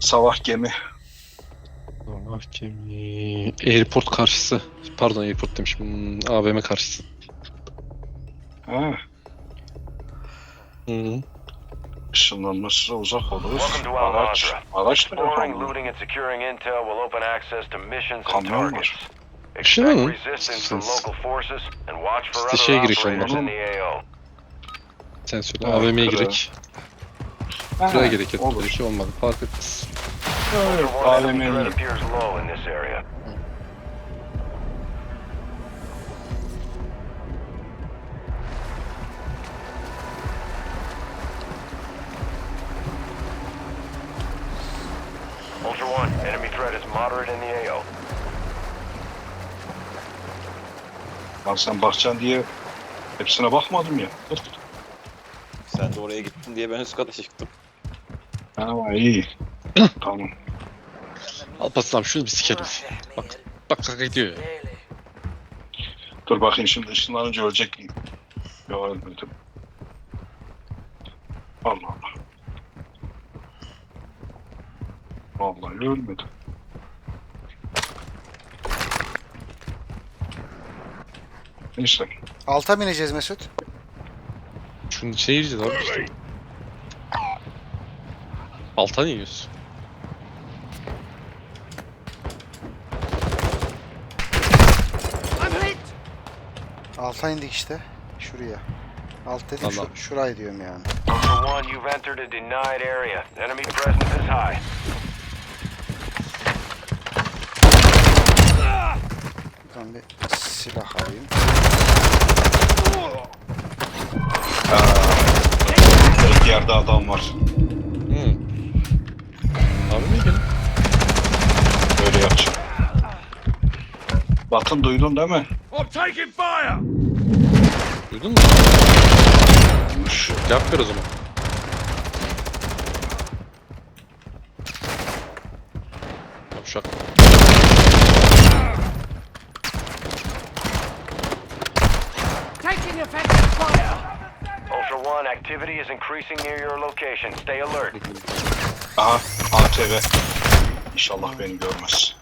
Sabah gemi. Gemi. Airport karşısı. Pardon, airport demişim. AVM karşısı. Ha, Hı. ışınlanması uzak olur. Welcome to Araç. Al-Mazrah. Araç da yok Exploring, ama. looting, and securing intel will open access to missions and Kamyon var. targets. Şey mi? Expect resistance from local forces and watch for İşte other şeye giriş operators olmalı. in the AO. Sen söyle. Ha, AVM'ye kırığı. girek. Ha, Buraya gerek yok. olur. Bir şey olmadı. Fark etmez. Evet, Ultra One, enemy AVM'ye. threat appears low in this area. Ultra One, enemy threat is moderate in the AO. Lan sen bakacaksın diye hepsine bakmadım ya. Sen de oraya gittin diye ben üst kata çıktım. Ha, iyi. Tamam. Alparslan şunu bir sikerim. Bak. Bak kaka gidiyor ya. Dur bakayım şimdi ışınlanınca ölecek miyim? Yok ölmedim. Allah Allah. Vallahi ölmedim. Neyse. Alta mı ineceğiz Mesut? Şunun içine gireceğiz abi işte. Alta niye yiyorsun? Alta indik işte. Şuraya. Alt dedim Allah. şurayı diyorum yani. Ultra One, you've entered a denied area. Enemy presence is high. Buradan bir silah alayım. Evet, yerde adam var. Hı. Abi mi gelin? Böyle yapacağım. Bakın duydun değil mi? Duydun mu? Duymuş. Cevap ver o zaman. Yavşak. Taking effective fire! Ultra One, activity is increasing near your location. Stay alert. Aha, ATV. İnşallah beni görmez.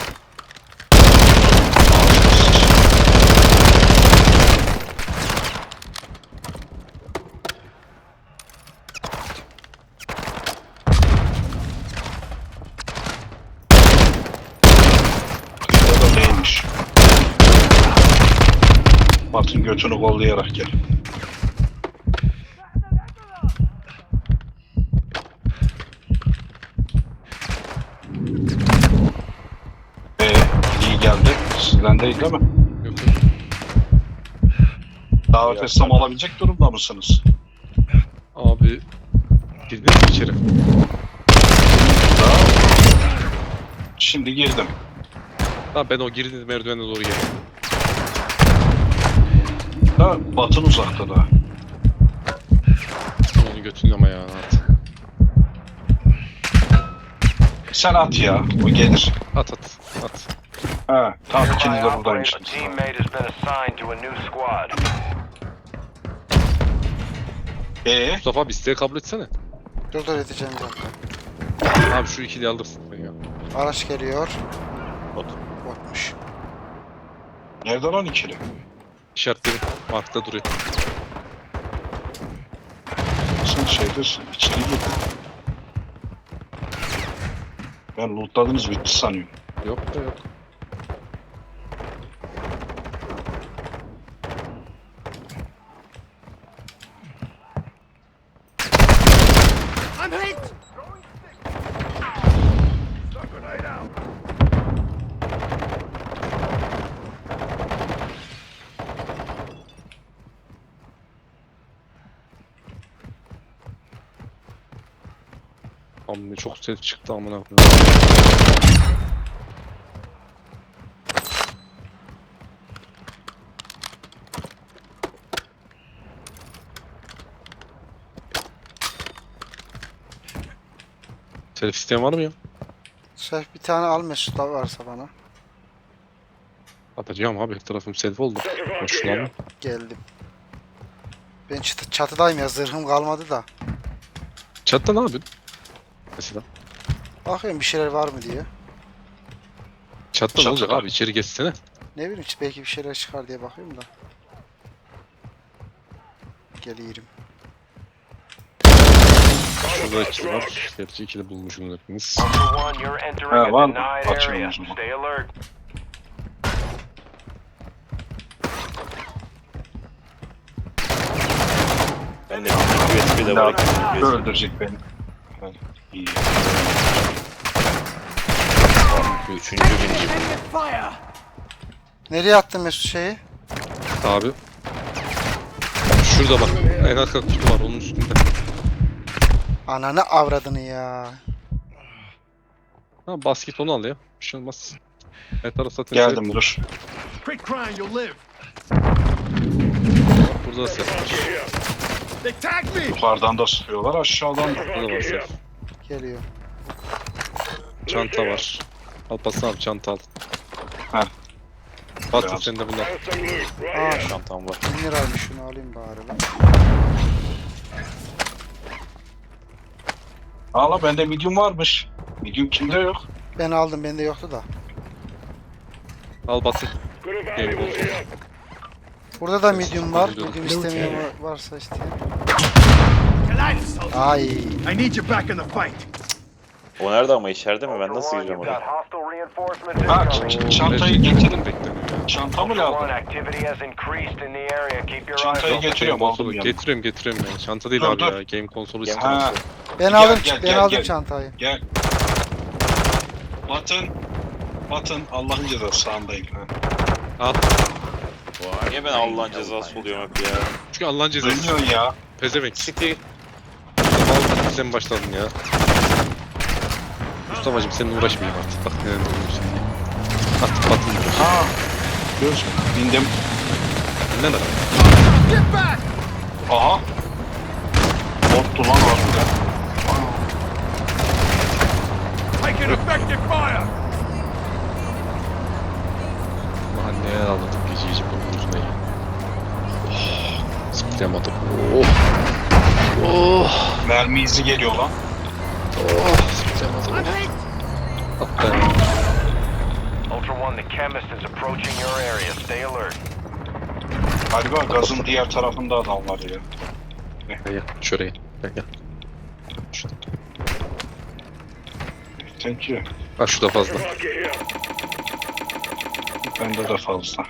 Ya da değilmiş. Batın götünü kollayarak gel. İyi geldi. Sizden değil mi? Yok yok. Davet etsem alabilecek durumda mısınız? Abi. Girdin mi içeri? Şimdi girdim. Ha ben o girdiğiniz merdivene doğru geldim. Da Batın uzakta da. Onu götürün ama ya. At. Sen at ya, o gelir. At. Ha, tamam Nearby ikiniz de operator, a buradaymışsınız. teammate has been assigned to a new squad. Mustafa abi isteği kabul etsene. Dur edeceğim zaten. Abi şu ikili alırsın ben ya. Araç geliyor. Bot. Botmuş. Nerede lan ikili? İşaretlerim. Markta duruyor. Sen şeydesin, içeri gir. Ben lootladınız bitti sanıyorum. Yok da yok. I'm hit! Amma çok ses çıktı amına koyayım. Telif isteyen var mı ya? Şef bir tane al Mesut abi varsa bana. Atacağım abi, her tarafım selfie oldu. Hoşlanma. Geldim. Ben çatıdayım ya, zırhım kalmadı da. Chatta ne yapıyorsun? Mesela. Bakıyorum bir şeyler var mı diye. Çatıda ne olacak Çatıda. abi? İçeri geçsene. Ne bileyim belki bir şeyler çıkar diye bakıyorum da. Geliyorum. Şurada ikili var. Gerçi ikili bulmuşum hepimiz. Ultra One, you're entering Ha, a var mı? denied Açalım area. o zaman. Stay alert. Ben de USB'de var. Daha öldürecek beni. Ha, İyi. Üçüncü birinci. Taking fire! Nereye attın Mesut şeyi? Abi. Şurada bak. En arka kutu var onun üstünde. Ananı avradını ya. Ha basket onu al ya. Bir şey olmaz. Evet arası zaten Geldim dur. Quit crying, you'll live. Burada da ses var. They tagged me! Yukarıdan da sıkıyorlar, aşağıdan da. Burada da var ses. Geliyor. Çanta var. Alparslan abi çanta al. Heh. Batı Biraz. sende bunlar. Aa Çantam var. 1000 liraymış şunu alayım bari lan. Hala bende medium varmış. Medium kimde yok? Ben aldım bende yoktu da. Al Batı. Game olsun. Burada da medium var. Biliyorum. Medium istemeyen varsa isteyen. Collide, soldier. Ay. I need you back in the fight. O nerede ama içeride mi? Ben Ultra nasıl One, gireceğim you've got oraya? hostile reinforcements Ha, incoming. çantayı Gerçekten getirin. beklemiyorum ya. Çantamı Ultra lazım. One, activity has increased in the area. Keep your eyes Çantayı open. getiriyorum, Game aldım konsolu yanıma. getiriyorum ya. Çanta değil Dur, abi dur. ya. Game konsolu Game istiyorum. Ha, Ben Gel, aldım gel, ben gel, aldım gel. çantayı. gel. Batın. Batın. Allah'ın cezası sağındayım. Ha. Al. Niye ben Allah'ın cezası oluyorum hep ya? Çünkü Allah'ın cezası. Dönüyorsun ya. Pezevenk. City. Al sen başladın ya. Mustafa'cım seninle uğraşmayayım artık. Bak neler oluyorsun. Artık Batı'nın uğraş. Ha. Görüyorsun. Bindim. Ne lan? Get back! Aha. Bottu lan harbiden. Taking effective fire! Mahalleye almadık gece gece bunun yüzüne ya. Oh, zıplayamadım. Oh. Oh. Mermi izi geliyor lan. Oh. Zıplayamadım. I'm hit! Hatta Ultra One, the chemist is approaching your area. Stay alert. Galiba gazın diğer tarafında adam var ya. gel şuraya. Gel. Şurada. Thank you. Bak şurada fazla. Bende de fazla.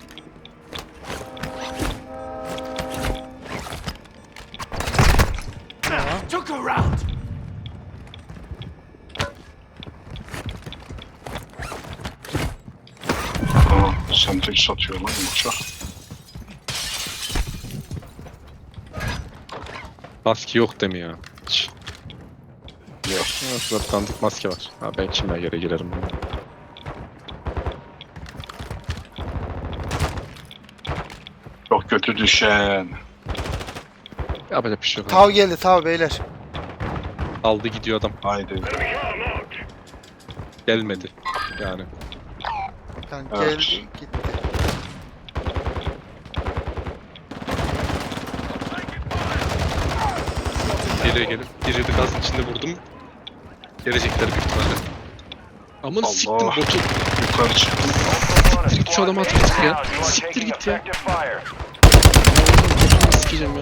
Took a round! Aa, sentek satıyor lan uçak. Maske yok demi ya. Hiç. Yok. Ha, şurada tanıdık maske var. Ha, ben kime göre girerim. Çok kötü düşen. Yapacak bir şey yok. Tav geldi tav beyler. Aldı gidiyor adam. Haydi. Gelmedi. Yani. Yani Evet. geldi gitti. Geriye gelip biri de gazın içinde vurdum. Gelecekler büyük ihtimalle. Aman Allah. siktim botu. Yukarı çıktım. Ultra One, a Siktir git şu squad adamı mate attık is ya. down. You are Siktir taking git ya. effective fire. Botunu sikeceğim ya.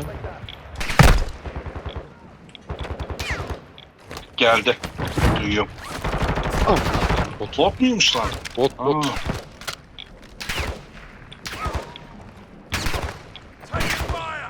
Geldi. Duyuyorum. Al. Bot. Bot muymuş lan? Bot bot. Aa, Taking fire!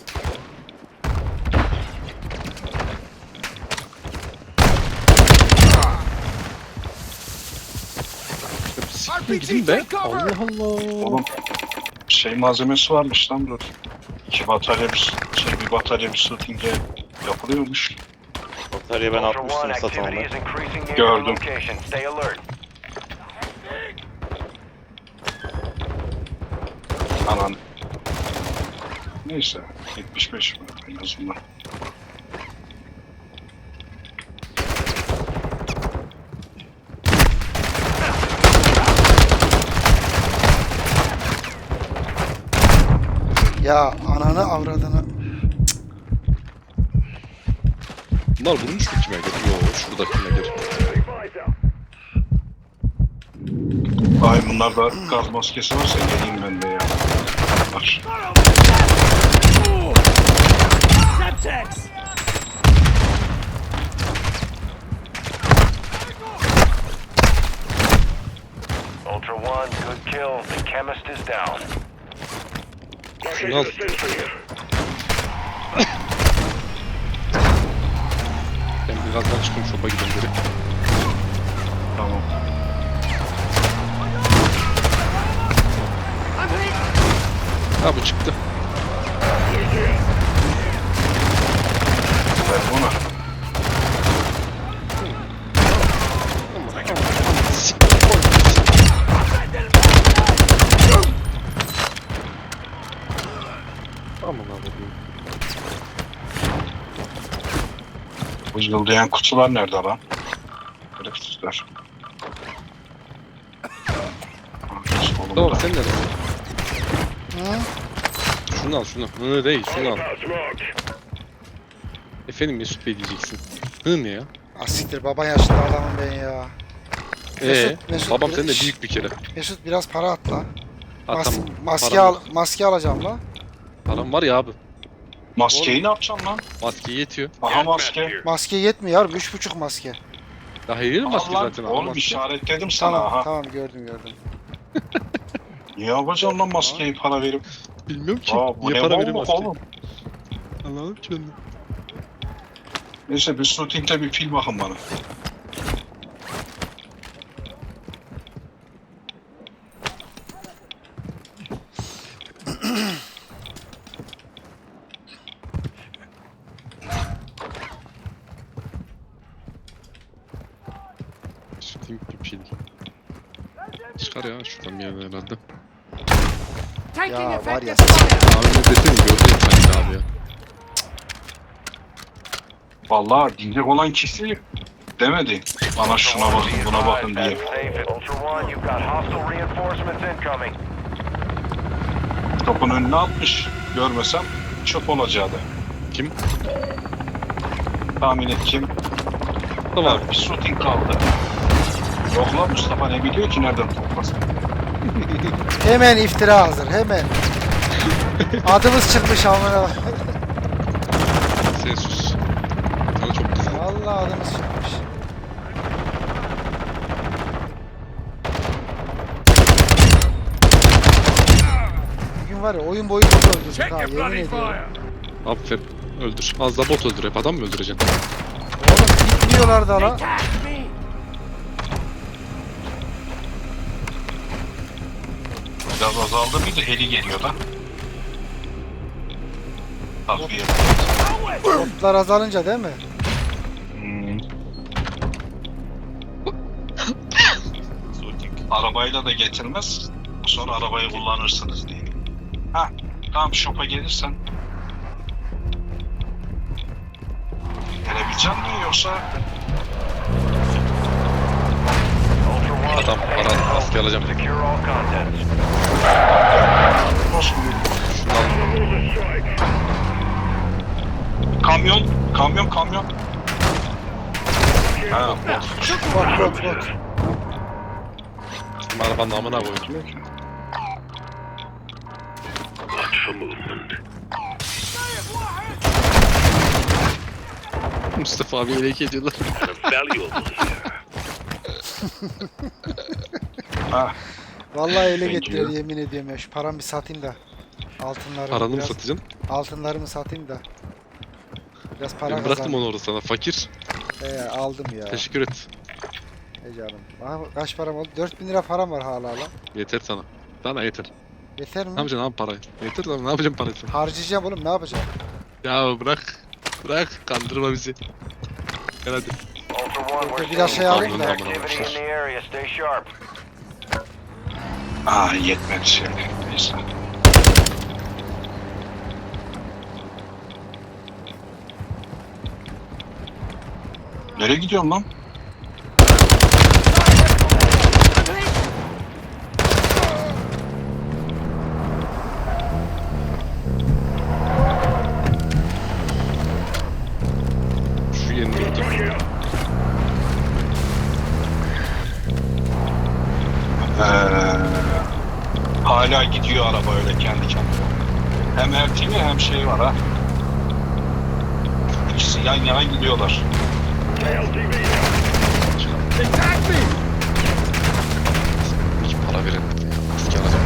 Siktir gidin be. Allah Allah. oğlum. Şey malzemesi varmış lan dur. Bir batarya bir shooting'e yapılıyormuş. Bataryayı ben Ultra One, atmıştım activity satanla. is increasing near your Gördüm. location. Stay alert. Anan. Neyse. 75 mi en azından. Ya ananı avradını. Bunlar vurmuş mu kime göre? Yok şurada kime göre. Ay bunlarda gaz maskesi varsa geleyim ben de ya. Var. Semtex! Ultra One, good kill. The chemist is down. Şunu al. Ben birazdan çıkayım şopa gideyim geri. Tamam. Ha bu çıktı. Ver bunu. Aman abi. Bu yıldayan kutular nerede lan? Herifsizler. Tamam sen nerede? Hı? Şunu al şunu. Hı değil şunu al. Efendim Mesut Bey diyeceksin. Hı ne ya? Asiktir baba yaşlı adamım ben ya. Mesut, babam bir- senin de Şşş. büyük bir kere. Mesut biraz para at la. Ha tamam. Maske Param al, yok. maske alacağım la. Param var ya abi. Maskeyi ne yapacaksın lan? Maske yetiyor. Aha maske. Maske yetmiyor abi 3,5 maske. Daha iyi maske Allah, zaten. oğlum maske. işaretledim sana Tamam aha. tamam gördüm. Niye yapacaksın lan maskeyi para verip? Bilmiyorum ki. Aa, bu Niye ne para veriyor bolluk maske? oğlum? Anladım ki ben de. Neyse bir shooting'de bir pil bakın bana. Shooting bir pil. Çıkar ya şuradan bir yerden herhalde. Taking Ya var ya. effective fire! Abi ne desene gördün sanki abi ya. Vallahi diyecek olan kişi demedi. Bana şuna bakın buna bakın diye. That's safe. Ultra One, you've got hostile reinforcements incoming. Kapının önüne atmış. Görmesem çöp olacaktı. Kim? Tahmin et kim? Tamam. Bir shooting kaldı. Yok lan Mustafa ne biliyor ki nereden toplasın? Hemen iftira hazır hemen. Adımız çıkmış amına. Sen sus. Sana çok kızdım. Vallahi adımız çıkmış. Bugün var ya oyun boyu bot öldürdük Check ha your yemin bloody ediyorum. fire! Aferin. Öldür. Az da bot öldür. Hep adam mı öldüreceksin? Oğlum bitmiyorlar da la. Attack me! Biraz azaldı bir de heli geliyor da. Takviye. Botlar azalınca değil mi? Arabayla da getirmez. Sonra arabayı kullanırsınız diye. Ha, tamam shop'a gelirsen. Gelebilecek mi yoksa? Ultra One, Adam, stay para, low. maske alacağım. Secure all contents. Nasıl bir- Kamyon, kamyon. Ha, Bot. Bizim arabanın amına koyayım. Mustafa abi elek ediyorlar. ha. Vallahi ele Thank getiriyor you. yemin ediyorum ya. Şu paramı bir satayım da. Altınlarımı Paranı mı biraz, satacaksın? altınlarımı satayım da. Biraz para Ben bıraktım kazanayım. onu orada sana. Fakir. Aldım ya. Teşekkür et. Canım. Bana kaç param oldu? 4000 lira param var hala lan. Yeter sana. Sana yeter. Yeter mi? Ne yapacaksın abi parayı? Yeter lan ne yapacağım parayı? Harcayacağım oğlum ne yapacağım? Ya bırak. Bırak kandırma bizi. Gel hadi. Ultra One, we're Biraz seeing şey alayım da. activity in the area. Stay sharp. Aa yetmedi şimdi. Neyse. Nereye gidiyorsun lan? Şu yeni Hala gidiyor araba öyle kendi kendine. Hem RTV hem şey var ha. İkisi yan yana gidiyorlar. İki para verin. Eski alacağım.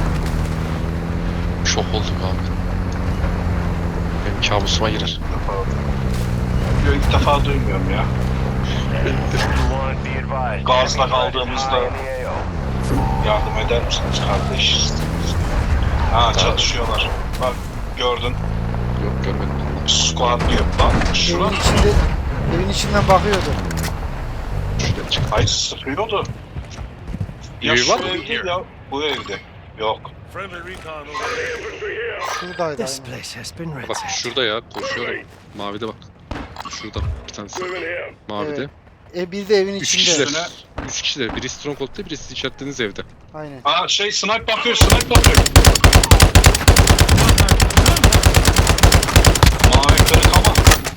Şok oldum abi. Benim kabusuma girer. İlk defa duymuyorum ya. Ultra One, be advised. Gazla Enemy kaldığımızda- presence high in the AO. Yardım eder misiniz kardeş? Ha çatışıyorlar. Bak gördün. Yok görmedim. Squad diyor. Bak şuna. Evin içinden bakıyordu. Şuraya çık. Ay sıkıyordu. Ya Evi şu var mı? evde ya bu evde. Yok. Şuradaydı This aynen. place has been Bak ransacked. şurada ya koşuyor. Mavide bak. Şurada bir tanesi. Mavide. Evet. Bir de evin 3 içinde. kişiler. 3 kişiler. Biri Stronghold'da, biri siz işaretlediğiniz evde. Aynen. Aa şey snipe bakıyor, snipe bakıyor. Mavi kırık ama.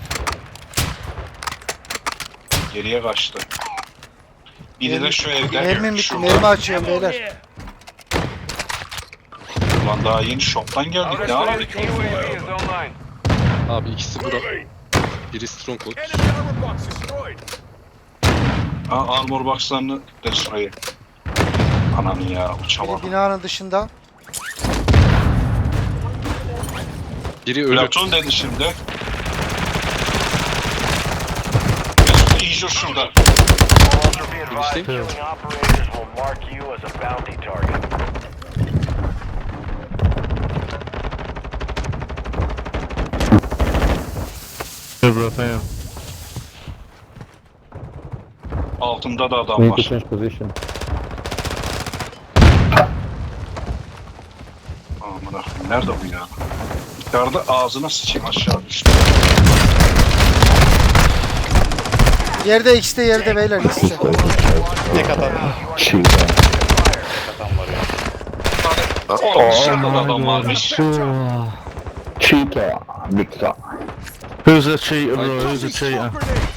Geriye kaçtı. Biri de şu evde. Mermim bitti. Şurada. Mermi açıyorum beyler. Ulan daha yeni shop'tan geldik Outer ne Squad, abi? UAV is online. Abi ikisi bura. Biri Stronghold. Ha armor box'larını destroy. Ananı ya Biri uçamadım. binanın dışında. Biri ölü. Platon dedi şimdi. Mesut iyice şurada. Ultra be advised, Understand? killing operators will mark you as a bounty target. Altımda da adam var. Aman akım nerede bu ya? Yukarıda ağzına sıçayım aşağı düştü. Yerde ikisi de yerde beyler ikisi de. Tek atan. Fire. Tek atan var ya. Oğlum dışarıda da adam varmış. Cheater, Victor. Who's a cheater, bro? Who's a cheater?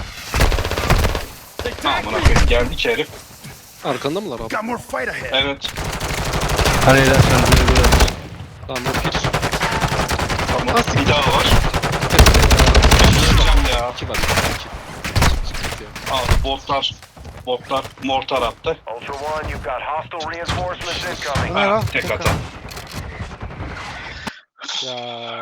Aman akım geldik herif. Arkanda mılar abi? Got more fight ahead. Evet. Honey, that sounds really good. Tamam bir. Tamam. Bir daha var. Geçeceğim ya. İki var. İki. Sıkıntı ya. Abi botlar mortar attı. Ultra One, you've got hostile reinforcements Bu incoming. ne lan? Tek atan. Ya